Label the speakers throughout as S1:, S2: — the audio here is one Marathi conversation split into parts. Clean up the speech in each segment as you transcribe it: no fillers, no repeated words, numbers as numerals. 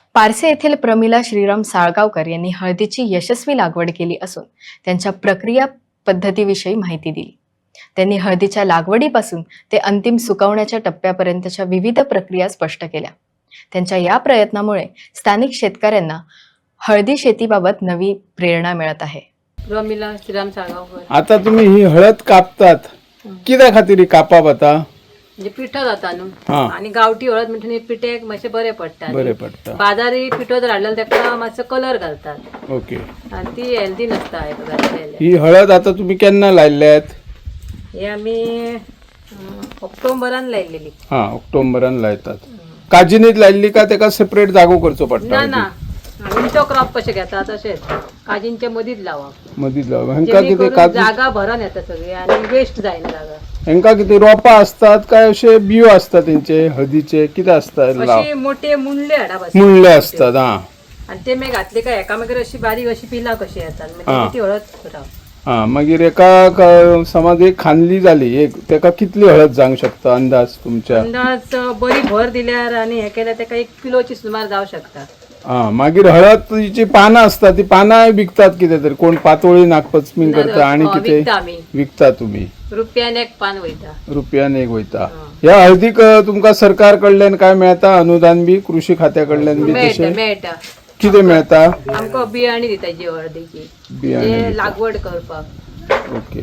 S1: पारसे येथील प्रमिला श्रीराम साळगावकर यांनी हळदीची यशस्वी लागवड केली असून त्यांच्या प्रक्रिया पद्धतीविषयी माहिती दिली। त्यांनी हळदीच्या लागवडीपासून ते अंतिम सुकवण्याच्या टप्प्यापर्यंतच्या विविध प्रक्रिया स्पष्ट केल्या। त्यांच्या या प्रयत्नामुळे स्थानिक शेतकऱ्यांना हळदी शेतीबाबत नवी प्रेरणा मिळत आहे।
S2: प्रमिला श्रीराम साळगावकर।
S3: आता तुम्ही ही हळद कापतात कित्या खातीर कापप आता?
S2: म्हणजे पिठो जाता न्हू
S3: हा.
S2: आणि गावठी हळद म्हणजे पिठेक मातशे बरे पडटा।
S3: बरे पडटा।
S2: बाजारी पिठो जर हाडलेलो ताका मातसो कलर घालतात
S3: ओके।
S2: आणि ती हेल्दी नसता घातलेले।
S3: ही हळद आता तुम्ही केन्ना लायल्यात?
S2: हे आमी ऑक्टोबरान लायलेली।
S3: हा, ऑक्टोबरान लायतात। काजिनीत लायल्ली का तेका सेपरेट जागो करचो पडटा?
S2: ना ना, विंटो क्रॉप कशे घेता तशेंच काजींच्या मदींच लावप।
S3: मदींच लावप। हेंका कितें काजू
S2: जागा भरून येता सगळी आणि वेस्ट जायना जागा।
S3: हेंका कितें रोपां असतात काय अशे बियो असतात तेंचे हळदीचे कितें असता?
S2: अशी मोठे मुंडले हाडप असतात।
S3: मुळ्ळे असतात। हा
S2: आणि ते मागीर घातले काय एका मागीर अशी बारीक अशी पिला कशी येतात म्हणजे ती हळद करप।
S3: हा, मागीर समज एक खांदली जाली एक तेका कितली हळद जावंक शकता अंदाज तुमच्या?
S2: अंदाज बरी भर दिल्यार आणि हे केल्यार तेका 1 किलोची सुमार जावं शकता।
S3: हा, मागीर हळदची पानां असतात ती पानां विकतात कितें तरी कोण पातोळी नागपंचमी करता आणि कितें
S2: विकता आमी।
S3: विकता तुम्ही?
S2: रुपयान 1 पान वयता।
S3: रुपयान एक वयता। ह्या हळदीक तुमका सरकार कडल्यान काय मेळता अनुदान बी? कृषी खात्या कडल्यान बी
S2: मेळटा
S3: तशें
S2: मेळटा।
S3: कितें मेळता?
S2: आमकां बियाणी दिता जी हळदीची
S3: बियाणे
S2: लागवड करपाक।
S3: ओके।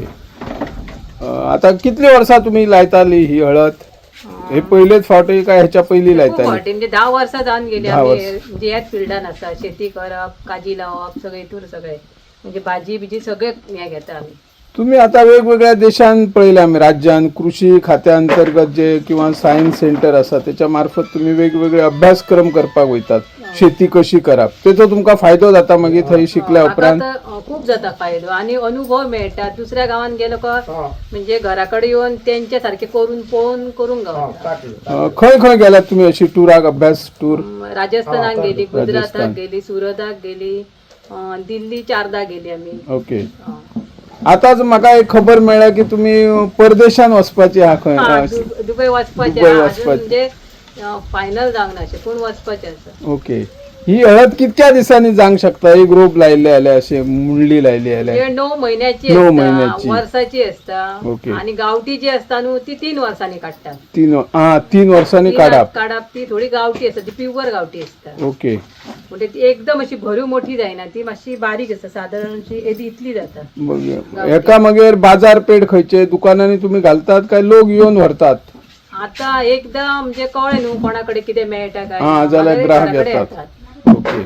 S3: आता कितली वर्सां तुम्ही लायताली ही हळद? हे पहिलेच फावटी काय ह्याच्या पहिली
S2: खूप
S3: लायताली?
S2: फावटी म्हणजे 10 वर्सां जावन गेली
S3: 10
S2: आमी
S3: वर्स.
S2: म्हणजे ह्याच फिल्डान आसा। शेती करप, काजी लावप सगळे हितूर सगळे म्हणजे भाजी बिजी सगळे हे घेता आमी।
S3: तुम्ही आता वेगवेगळ्या देशांत पळयल्या आमी राज्यान कृषी खात्या अंतर्गत जे किंवा सायन्स सेंटर आसा त्याच्या मार्फत तुम्ही वेगवेगळे अभ्यासक्रम करपाक वयतात शेती कशी करप तेचो तुमका फायदो जाता मागीर थंय शिकल्या उपरांत?
S2: म्हाका तर खूप जाता फायदो आणि अनुभव मेळटा। दुसऱ्या गावान गेलो का म्हणजे घराकडे येऊन त्यांच्या सारखे करून पळोवन करूंक गावता।
S3: खंय खंय गेल्यात तुम्ही अशी टुराक अभ्यास टूर?
S2: राजस्थानाक गेली, गुजराताक गेली, सुरताक गेली, दिल्ली 4दा गेली आमी।
S3: ओके। आताच म्हाका एक खबर मेळ्ळ्या की तुम्ही परदेशान वचपाची आहा खंय?
S2: दुबय वचपाचे
S3: दुबय
S2: अजून
S3: वचपाचे।
S2: म्हणजे फायनल जावंक ना अशें पूण वचपाचें आसा।
S3: ओके। ही हळद कितक्या दिसांनी जावंक शकता? एक रोप लायले जाल्यार अशी मुंडली लायली जाल्यार?
S2: हे 9 महिन्याची
S3: 9
S2: असता,
S3: महिन्याची.
S2: वर्साची असता।
S3: ओके।
S2: आणि गावठी जी असता न्हू ती 3 वर्सांनी काडटात।
S3: 3 वर्सांनी काढप?
S2: काडप ती थोडी गावठी असता, ती प्युअर गावठी असता।
S3: ओके।
S2: म्हणजे ती एकदम अशी भरीव मोठी जायना, ती मातशी बारीक असता, साधारण अशी एदी इतली जाता।
S3: एका मागीर बाजारपेठ खंयचे दुकानांनी तुम्ही घालतात काय लोक येऊन व्हरतात?
S2: आता एकदा म्हणजे कळ्ळें न्हू कोणाकडे कितें मेळटा काय
S3: जाल्यार
S2: मागीर
S3: ग्राहक
S2: घराकडे
S3: येतात। ओके।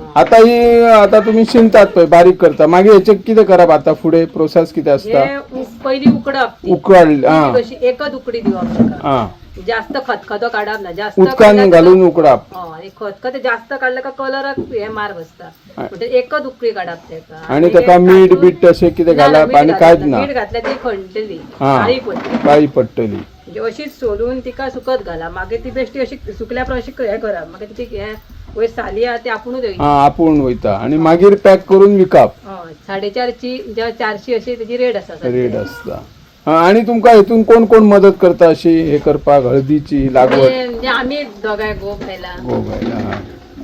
S3: आता तुम्ही शिनतात पळय बारीक करता मागीर हेचे कितें करप आता फुडें प्रोसेस कितें आसता?
S2: हे पयली उकडप ती।
S3: उकळली
S2: कशी एकच उकडी दिवप ताका। जास्त खतखतो काडप ना, जास्त
S3: उदकान घालून उकडप?
S2: खतखतो जास्त काडलं का कलराक हे मार बसता म्हणजे एकच उकळी काडप तेका।
S3: आणि तेका मीठ बीठ तशें कितें घालप आणि कांयच ना?
S2: मीठ घातल्यार ती खणटली, काळी पडटली।
S3: काळी पडटली
S2: म्हणजे अशीच सोलून तिका सुकत घालप, मागीर ती बेश्टी अशी सुकल्या उपरांत अशी हे करप, मागीर ती हे वयर साली आहा ती आपुणूच वयता।
S3: आपूण वयता आणि मागीर पॅक करून विकप?
S2: 450 400 अशी तेजी रेट आसा।
S3: रेट आसता। आणि तुमकां हेतून कोण कोण मदत करता अशी हे करपाक हळदीची लागवड?
S2: म्हणजे आमी दोगांय गो बायला।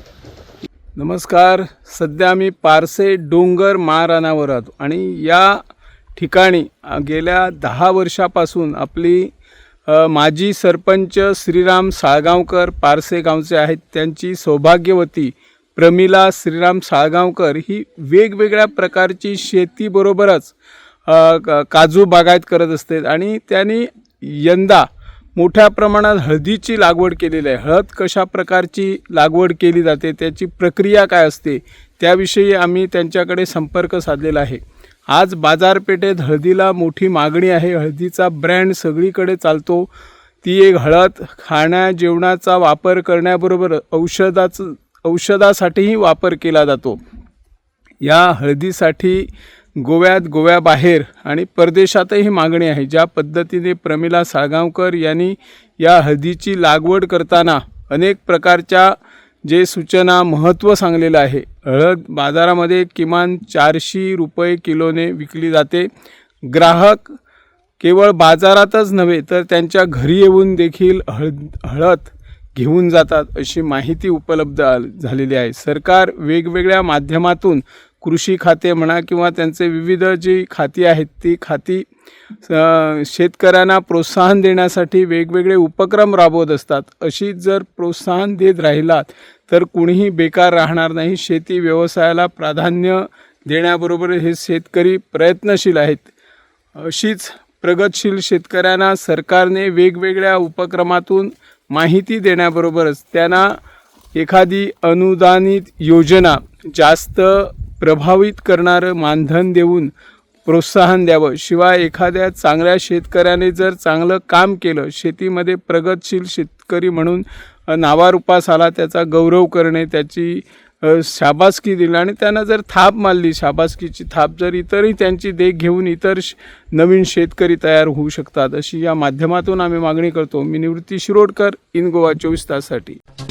S3: नमस्कार। सध्या आम्ही पारसे डोंगर महारानावर आहोत आणि या ठिकाणी गेल्या 10 वर्षापासून आपली माजी सरपंच श्रीराम साळगावकर पारसे गावचे आहेत, त्यांची सौभाग्यवती प्रमिला श्रीराम साळगावकर ही वेगवेगळ्या प्रकारची शेतीबरोबरच काजू बागायत करत असते आणि त्यांनी यंदा मोठ्या प्रमाणात हळदीची लागवड केलेली आहे। हळद कशा प्रकारची लागवड केली जाते, त्याची प्रक्रिया काय असते, त्याविषयी आम्ही त्यांच्याकडे संपर्क साधलेला आहे। आज बाजारपेठेत हळदीला मोठी मागणी आहे। हळदीचा ब्रँड सगळीकडे चालतो। ती एक हळद खाण्या जेवणाचा वापर करण्याबरोबर औषधासाठीही वापर केला जातो। या हळदीसाठी गोव्याबाहेर आणि परदेशातही मागणी आहे। ज्या पद्धतीने प्रमिला साळगावकर यांनी या हळदीची लागवड करताना अनेक प्रकारच्या जे सूचना महत्त्व सांगलेलं आहे। हळद बाजारामध्ये किमान 400 रुपये किलोने विकली जाते। ग्राहक केवळ बाजारातच नव्हे तर त्यांच्या घरी येऊन देखील हळद घेऊन जातात अशी माहिती उपलब्ध झालेली आहे. सरकार वेगवेगळ्या माध्यमातून कृषी खाते म्हणा किंवा त्यांचे विविध जी खाती आहेत ती खाती शेतकऱ्यांना प्रोत्साहन देण्यासाठी वेगवेगळे उपक्रम राबवत असतात. अशी जर प्रोत्साहन देत राहिलात तर कुणीही बेकार राहणार नाही. शेती व्यवसायाला प्राधान्य देण्याबरोबर हे शेतकरी प्रयत्नशील आहेत. अशीच प्रगतशील शेतकऱ्यांना सरकारने वेगवेगळ्या उपक्रमातून माहिती देण्याबरोबरच त्यांना एखादी अनुदानित योजना जास्त प्रभावित करणारं मानधन देऊन प्रोत्साहन द्यावं. शिवाय एखाद्या चांगल्या शेतकऱ्याने जर चांगलं काम केलं, शेतीमध्ये प्रगतशील शेतकरी म्हणून नावारूपास आला, त्याचा गौरव करणे, त्याची शाबासकी दिली आणि त्यांना जर थाप मारली, शाबासकीची थाप, जर इतरही त्यांची देख घेऊन इतर नवीन शेतकरी तयार होऊ शकतात अशी या माध्यमातून आम्ही मागणी करतो. मी निवृत्ती शिरोडकर, इन गोवा 24 ताससाठी.